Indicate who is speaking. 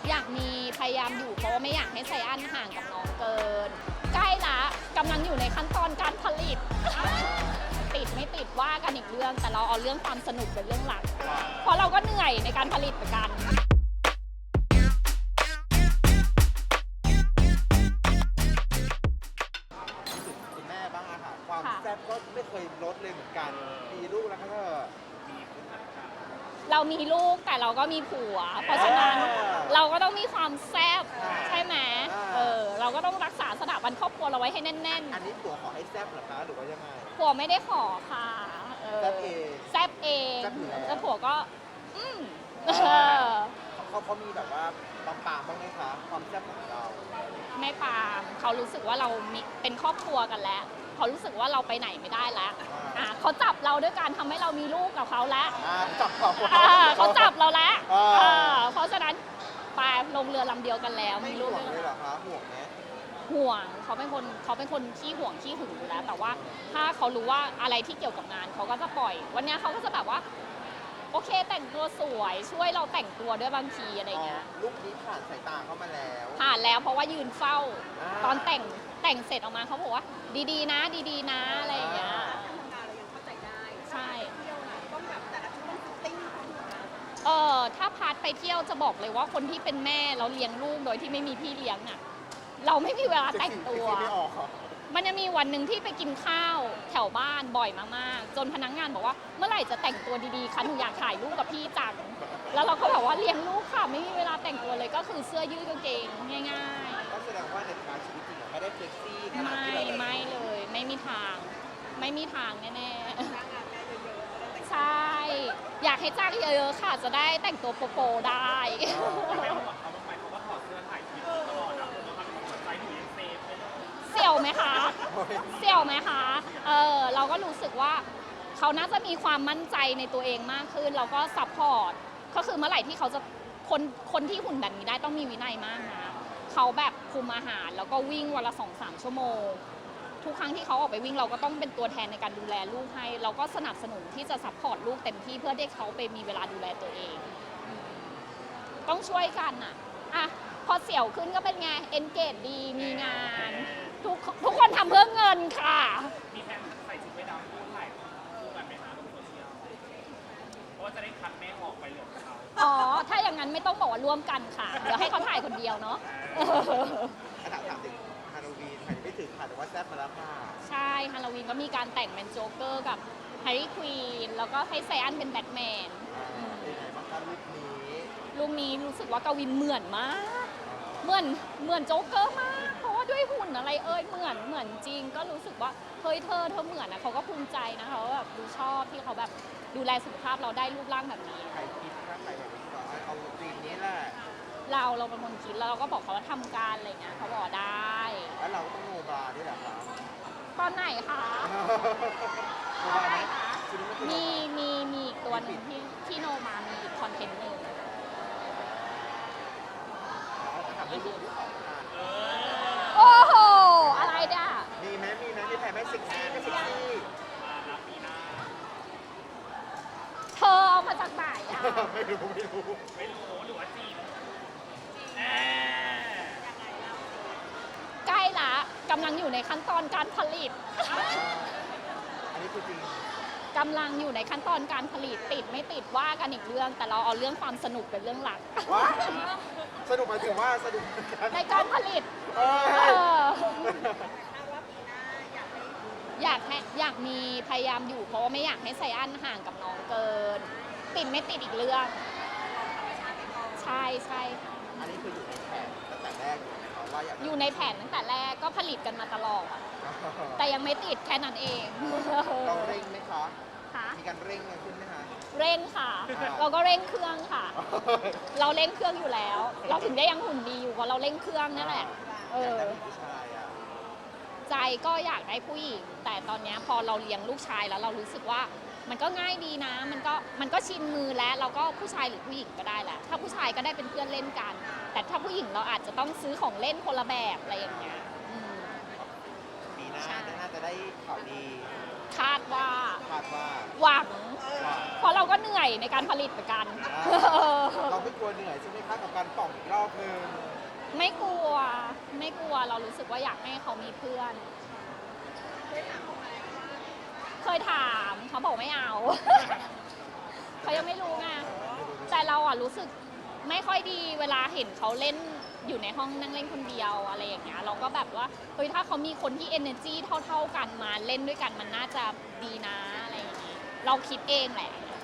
Speaker 1: อยากมีพยายามอยู่เพราะว่าไม่อยากให้ไซอันห่างกับน้องเกิน ใกล้ละกำลังอยู่ในขั้นตอนการผลิต ติดไม่ติดว่ากันอีกเรื่อง แต่เราเอาเรื่องความสนุกเป็นเรื่องหลัก เพราะเราก็เหนื่อยในการผลิตเหมือนกัน
Speaker 2: คุณแม่บ้างอะค่ะความแซ่บก็ไม่เคยลดเลยเหมือนกันมีลูกแล้วก็
Speaker 1: เรามีลูกแต่เราก็มีผัว เพราะฉะนั้นเราก็ต้องมีความแซ่บใช่ไหมเราก็ต้องรักษาสถาบันครอบครัวเราไว้ให้แน่นๆ
Speaker 2: อันนี้ผัวขอให้แซ่บเหรอคะหรือว่ายังไง
Speaker 1: ผัวไม่ได้ขอค่ะ
Speaker 2: แซ่บเอง
Speaker 1: แซ่บเอง แล้วผัวก็
Speaker 2: เขามีแบบว่าปามบ้างไหมคะความแซ่บของเรา
Speaker 1: ไม่ปามเขารู้สึกว่าเรามีเป็นครอบครัวกันแล้วเขารู้สึกว่าเราไปไหนไม่ได้แล้วเขาจับเราด้วยการทำให้เรามีลูกกับเขาแล้ว
Speaker 2: จับ
Speaker 1: เขาจับเราแล้วเพราะฉะนั้นไปลงเรือลำเดียวกันแล้ว
Speaker 2: มีลูกเลยเหรอคะห่วงไหม
Speaker 1: ห่วงเขาเป็นคนขี้ห่วงขี้หึงอยู่แล้วแต่ว่าถ้าเขารู้ว่าอะไรที่เกี่ยวกับงานเขาก็จะปล่อยวันนี้เขาก็จะแบบว่าโอเคแต่งตัวสวยช่วยเราแต่งตัวด้วยบางทีอะไรเงี้ย
Speaker 2: ลูกนี้ผ่านสายตาเข้ามาแล้ว
Speaker 1: ผ่านแล้วเพราะว่ายืนเฝ้าตอนแต่งเสร็จออกมาเขาบอกว่าดีๆนะดีๆนะอะไรอย่างเงี้ยใช่ถ้าพาร์ทไปเที่ยวจะบอกเลยว่าคนที่เป็นแม่แล้วเลี้ยงลูกโดยที่ไม่มีพี่เลี้ยงอ่ะเราไม่มีเวลาแต่งตัวมันจะมีวันหนึ่งที่ไปกินข้าวแถวบ้านบ่อยมากๆจนพนักงานบอกว่าเมื่อไหร่จะแต่งตัวดีๆคะหนูอยากถ่ายรูปกับพี่จังแล้วเราก็แบบว่าเลี้ยงลูกค่ะไม่มีเวลาแต่งตัวเลยก็คือเสื้อยืดกางเกงง่าย
Speaker 2: ๆก็แสดงว่าในการชีวิตจริงไม่ได้เซ็กซี่
Speaker 1: ไม่เลยไม่มีทางแน่ๆใช่อยากให้จ้างเยอะๆค่ะจะได้แต่งตัวโปๆได้เสี่ยวไหมคะเราก็รู้สึกว่าเขาน่าจะมีความมั่นใจในตัวเองมากขึ้นแล้วก็ซัพพอร์ตก็คือเมื่อไหร่ที่เขาจะคนที่หุ่นแบบนี้ได้ต้องมีวินัยมากนะเขาแบบคุมอาหารแล้วก็วิ่งวันละ 2-3 ชั่วโมงทุกครั้งที่เขาออกไปวิ่งเราก็ต้องเป็นตัวแทนในการดูแลลูกให้เราก็สนับสนุนที่จะซัพพอร์ตลูกเต็มที่เพื่อให้เขาไปมีเวลาดูแลตัวเองต้องช่วยกันอ่ะพอเสี่ยวขึ้นก็เป็นไงเอนเกจดีมีงานทุกคนทำเพื่อเงินค่ะ
Speaker 3: มีแผนใส่ชุดว่ายน้ำคู่ถ่ายคู่กันไหมคะบนโซเชียลเพราะว่าจะได้คัดแม่ออกไปเหลือเขา
Speaker 1: ถ้าอย่างนั้นไม่ต้องบอกว่าร่วมกันค่ะเดี๋ยวให้เขาถ่ายคนเดียวเนาะ
Speaker 2: ถามถึงฮาโลวีนถ่ายไม่ถึงค่ะแต่ว่าแซ่บมาแล้วค่ะ
Speaker 1: ใช่ฮาโลวีนก็มีการแต่งเป็นโจ๊กเกอร์กับแฮร์รี่ควีนแล้วก็ให้ไซอันเป็นแบทแมน
Speaker 2: เป็นไงบ้างคะ
Speaker 1: ลุคนี้รู้สึกว่ากวินเหมือนมากเหมือนโจ๊กเกอร์มากเพราะว่าด้วยหุ่นอะไรเหมือนจริงก็รู้สึกว่าเฮ้ยเธอเหมือนนะเขาก็ภูมิใจนะเขาแบบดูชอบที่เขาแบบดูแลสุขภาพเราได้รูปร่างแบบนี้
Speaker 2: ใครคิดถ้าใครแบบนี้ก็เอาธีมนี้แหละ
Speaker 1: เราเป็นคนคิดแล้วเราก็บอกเขาว่าทำการอะไรเงี้ยเขาบอกได้
Speaker 2: แล้วเราต้องโนบาด้วยเหรอคะ
Speaker 1: ตอนไหนคะ
Speaker 2: โนบาไหม
Speaker 1: มีอีกตัวหนึ่งที่โนมามีอีกคอนเทนต์หนึ่งโอ้โหอะไรเนี่ย
Speaker 2: มีไหมมีถ่ายไหมเซ็กซี่ไม่เซ็กซี่
Speaker 1: เธอเอามาจากไหน
Speaker 2: ไม่รู้
Speaker 3: หรือว่าจีน
Speaker 1: ใกล้ละกำลังอยู่ในขั้นตอนการผลิต
Speaker 2: อันนี้คือจริง
Speaker 1: กำลังอยู่ในขั้นตอนการผลิตติดไม่ติดว่ากันอีกเรื่องแต่เราเอาเรื่องความสนุกเป็นเรื่องหลัก
Speaker 2: สนุกหมายถึงว่าสนุก
Speaker 1: ในการผลิตอยากมีพยายามอยู่เพราะว่าไม่อยากให้ไซอันห่างกับน้องเกินติดไม่ติดอีกเรื่องใช่
Speaker 2: อันนี้คืออยู่ในแผนตั้งแต่แรกว่า
Speaker 1: อยู่ในแผนตั้งแต่แรกก็ผลิตกันมาตลอดแต่ยังไม่ติดแค่นั้นเอง
Speaker 2: เราเร่งไหมคะมีการเร่งขึ้นไหมคะ
Speaker 1: เร่งค่ะเราก็เร่งเครื่องค่ะเราเร่งเครื่องอยู่แล้วเราถึงได้ยังหุ่นดีอยู่เพราะเราเร่งเครื่องนั่นแหละใจก็อยากได้ผู้หญิงแต่ตอนนี้พอเราเลี้ยงลูกชายแล้วเรารู้สึกว่ามันก็ง่ายดีนะมันก็ชินมือแล้วเราก็ผู้ชายหรือผู้หญิงก็ได้แหละถ้าผู้ชายก็ได้เป็นเพื่อนเล่นกันแต่ถ้าผู้หญิงเราอาจจะต้องซื้อของเล่นคนละแบบอะไรอย่างเงี้ย
Speaker 2: ปีหน้าน่าจะได้ข่าวดี
Speaker 1: คาดว่า
Speaker 2: คาดว่า
Speaker 1: หวัง
Speaker 2: ว่า
Speaker 1: เพราะเราก็เหนื่อยในการผลิตเหมือนกัน
Speaker 2: เราไม่กลัวเหนื่อยใช่ไหมคะกับการป่องอีกรอบนึง
Speaker 1: ไม่กลัว ไม่กลัว เรารู้สึกว่าอยากให้เขามีเพื่อน เคยถามเขาบอกไม่เอา เขายังไม่รู้ไง แต่เราอ่ะรู้สึกไม่ค่อยดีเวลาเห็นเขาเล่นอยู่ในห้องนั่งเล่นคนเดียวอะไรอย่างเงี้ย เราก็แบบว่าเฮ้ยถ้าเขามีคนที่ energy เท่าๆกันมาเล่นด้วยกันมันน่าจะดีนะอะไรอย่างงี้ เราคิดเองแหละ